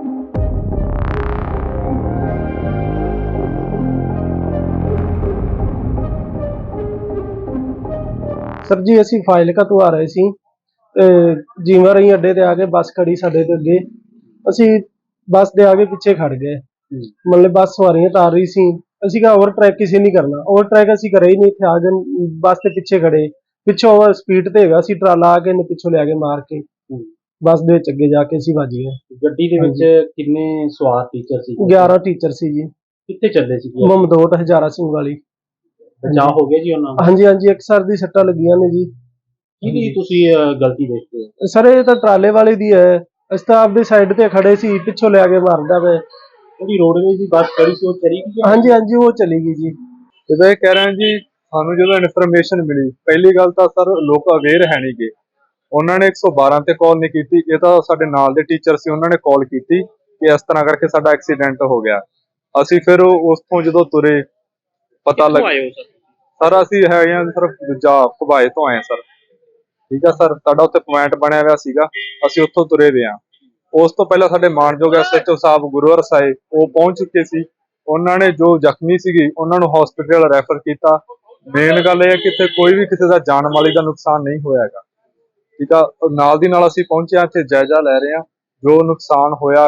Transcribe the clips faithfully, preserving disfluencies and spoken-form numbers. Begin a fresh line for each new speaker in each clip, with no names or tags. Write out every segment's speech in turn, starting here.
Sir जी असी फाजिलका तो आ रहे सी जीवा रही अड्डे ते आके बस खड़ी साडे ते अगे असी बस दे आगे पीछे खड़ गए। मतलब बस सवारियां तार रही सी असी कहा ओवर ट्रैक किसी नहीं करना, ओवर ट्रैक असी करे ही नहीं, इत्थे आ गए बस के पीछे खड़े पिछों ओवर स्पीड ते हैगा सी ट्राला आके इन्हें पिछों ले आके मार के बस दे विच अगे जाके असी वज गए।
गड्डी दे विच किन्ने सवार टीचर सी?
ग्यारह टीचर सी जी।
कित्थे चले सी?
ममदोट हजारा सिंह वाली।
बचाव हो गया जी उन्हां दा?
हाँ जी हाँ जी, एक सर दी सट्टां लगियां ने जी।
किहदी तुसीं गलती देखदे हो?
सर ये तो ट्राले वाले दी है, असीं तां आपदी साइड ते खड़े सी, पिछों ले आके मारदा वे।
ਜਿਹੜੀ रोडवेज दी बस खड़ी सी वो चली गई?
हाँ जी हाँ जी, वो चली गई जी।
ਜਿੱਦਾਂ ਇਹ ਕਹਿ ਰਹੇ ਜੀ, ਸਾਨੂੰ ਜਦੋਂ ਇਨਫੋਰਮੇਸ਼ਨ ਮਿਲੀ, ਪਹਿਲੀ ਗੱਲ ਤਾਂ ਸਰ ਲੋਕ ਅਵੇਅਰ ਹੈ ਨਹੀਂ ਗੇ, ਉਹਨਾਂ ਨੇ ਇੱਕ ਸੌ ਬਾਰਾਂ ਤੇ ਕਾਲ ਨਹੀਂ ਕੀਤੀ। ਇਹ ਤਾਂ ਸਾਡੇ ਨਾਲ ਦੇ ਟੀਚਰ ਸੀ, ਉਹਨਾਂ ਨੇ ਕਾਲ ਕੀਤੀ ਕਿ ਇਸ ਤਰ੍ਹਾਂ ਕਰਕੇ ਸਾਡਾ ਐਕਸੀਡੈਂਟ ਹੋ ਗਿਆ। ਅਸੀਂ ਫਿਰ ਉਸ ਤੋਂ ਜਦੋਂ ਤੁਰੇ ਪਤਾ ਲੱਗ ਸਰ ਅਸੀਂ ਹੈਗੇ ਆ ਸਰ ਦੂਜਾ ਘੁਬਾਏ ਤੋਂ ਆਏ ਸਰ। ਠੀਕ ਆ ਸਰ, ਸਾਡਾ ਉੱਥੇ ਪੁਆਇੰਟ ਬਣਿਆ ਹੋਇਆ ਸੀਗਾ, ਅਸੀਂ ਉੱਥੋਂ ਤੁਰੇ ਵੇ ਆ। ਉਸ ਤੋਂ ਪਹਿਲਾਂ ਸਾਡੇ ਮਾਨਯੋਗ ਐਸ ਐਚ ਓ ਸਾਹਿਬ ਗੁਰੂਵਰ ਸਾਹਿਬ ਉਹ ਪਹੁੰਚ ਚੁੱਕੇ ਸੀ। ਉਹਨਾਂ ਨੇ ਜੋ ਜ਼ਖਮੀ ਸੀਗੀ ਉਹਨਾਂ ਨੂੰ ਹਸਪੀਟਲ ਰੈਫਰ ਕੀਤਾ। ਮੇਨ ਗੱਲ ਇਹ ਹੈ ਕਿ ਇੱਥੇ ਕੋਈ ਵੀ ਕਿਸੇ ਦਾ ਜਾਨ ਮਾਲੀ ਦਾ ਨੁਕਸਾਨ ਨਹੀਂ ਹੋਇਆ ਹੈਗਾ। ਠੀਕ ਆ, ਨਾਲ ਦੀ ਨਾਲ ਅਸੀਂ ਪਹੁੰਚੇ ਇੱਥੇ ਜਾਇਜ਼ਾ ਲੈ ਰਹੇ ਹਾਂ ਜੋ ਨੁਕਸਾਨ ਹੋਇਆ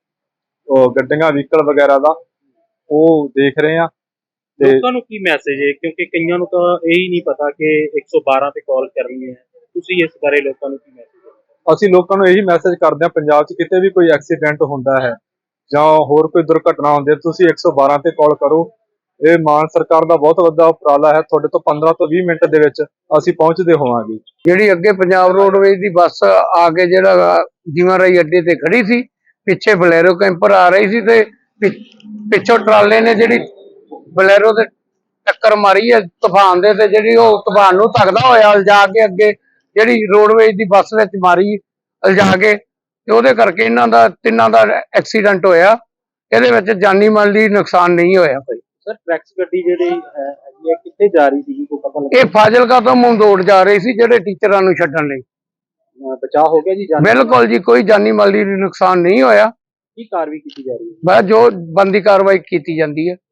ਗੱਡੀਆਂ ਵਹੀਕਲ ਵਗੈਰਾ ਦਾ ਉਹ ਦੇਖ ਰਹੇ ਹਾਂ।
ਲੋਕਾਂ ਨੂੰ ਕੀ ਮੈਸੇਜ ਹੈ, ਕਿਉਂਕਿ ਕਈਆਂ ਨੂੰ ਤਾਂ ਇਹ ਹੀ ਨਹੀਂ ਪਤਾ ਕਿ ਇੱਕ ਸੌ ਬਾਰਾਂ ਤੇ ਕਾਲ ਕਰਨੀ ਹੈ, ਤੁਸੀਂ ਇਸ ਬਾਰੇ ਲੋਕਾਂ ਨੂੰ ਕੀ ਮੈਸੇਜ?
ਅਸੀਂ ਲੋਕਾਂ ਨੂੰ ਇਹੀ ਮੈਸੇਜ ਕਰਦੇ ਹਾਂ, ਪੰਜਾਬ 'ਚ ਕਿਤੇ ਵੀ ਕੋਈ ਐਕਸੀਡੈਂਟ ਹੁੰਦਾ ਹੈ ਜਾਂ ਹੋਰ ਕੋਈ ਦੁਰਘਟਨਾ ਹੁੰਦੀ ਹੈ ਤੁਸੀਂ ਇੱਕ ਸੌ ਬਾਰਾਂ ਤੇ ਕਾਲ ਕਰੋ। ਇਹ ਮਾਨ ਸਰਕਾਰ ਦਾ ਬਹੁਤ ਵੱਡਾ ਉਪਰਾਲਾ ਹੈ। ਤੁਹਾਡੇ ਤੋਂ ਪੰਦਰਾਂ ਤੋਂ ਵੀਹ ਮਿੰਟ ਦੇ ਵਿੱਚ ਅਸੀਂ ਪਹੁੰਚਦੇ ਹੋਵਾਂਗੇ।
ਜਿਹੜੀ ਅੱਗੇ ਪੰਜਾਬ ਰੋਡਵੇਜ਼ ਦੀ ਬੱਸ ਆ ਕੇ ਜਿਹੜਾ ਜੀਵਾਂ ਰਾਈ ਅੱਡੇ ਤੇ ਖੜੀ ਸੀ, ਪਿੱਛੇ ਬਲੈਰੋ ਕੈਂਪਰ ਆ ਰਹੀ ਸੀ ਤੇ ਪਿੱਛੋਂ ਟਰਾਲੇ ਨੇ ਜਿਹੜੀ ਬਲੈਰੋ ਤੇ ਟੱਕਰ ਮਾਰੀ ਹੈ ਤੂਫਾਨ ਦੇ, ਤੇ ਜਿਹੜੀ ਉਹ ਤੂਫਾਨ ਨੂੰ ਧੱਕਦਾ ਹੋਇਆ ਲਿਜਾ ਕੇ ਅੱਗੇ ਜਿਹੜੀ ਰੋਡਵੇਜ਼ ਦੀ ਬੱਸ ਵਿੱਚ ਮਾਰੀ ਲਿਜਾ ਕੇ, ਤੇ ਉਹਦੇ ਕਰਕੇ ਇਹਨਾਂ ਦਾ ਤਿੰਨਾਂ ਦਾ ਐਕਸੀਡੈਂਟ ਹੋਇਆ। ਇਹਦੇ ਵਿੱਚ ਜਾਨੀ ਮਾਲ ਦੀ ਨੁਕਸਾਨ ਨਹੀਂ ਹੋਇਆ ਕੋਈ।
ਸਰ ਟਰੈਕਸ ਗੱਡੀ ਜਿਹੜੀ ਹੈਗੀ ਹੈ ਕਿੱਥੇ ਜਾ ਰਹੀ ਸੀ, ਕੋਈ ਪਤਾ ਲੱਗਾ?
ਇਹ ਫਾਜ਼ਿਲਕਾ ਤੋਂ ਮਮਦੋਟ ਜਾ ਰਹੀ ਸੀ ਜਿਹੜੇ ਟੀਚਰਾਂ ਨੂੰ ਛੱਡਣ ਲਈ।
ਬਚਾਅ ਹੋ ਗਿਆ ਜੀ?
ਬਿਲਕੁਲ ਜੀ, ਕੋਈ ਜਾਨੀ ਮਾਲੀ ਨੁਕਸਾਨ ਨਹੀਂ ਹੋਇਆ।
ਕੀ ਕਾਰਵਾਈ ਕੀਤੀ ਜਾ ਰਹੀ ਹੈ?
ਬਸ ਜੋ ਬਣਦੀ ਕਾਰਵਾਈ ਕੀਤੀ ਜਾਂਦੀ ਹੈ।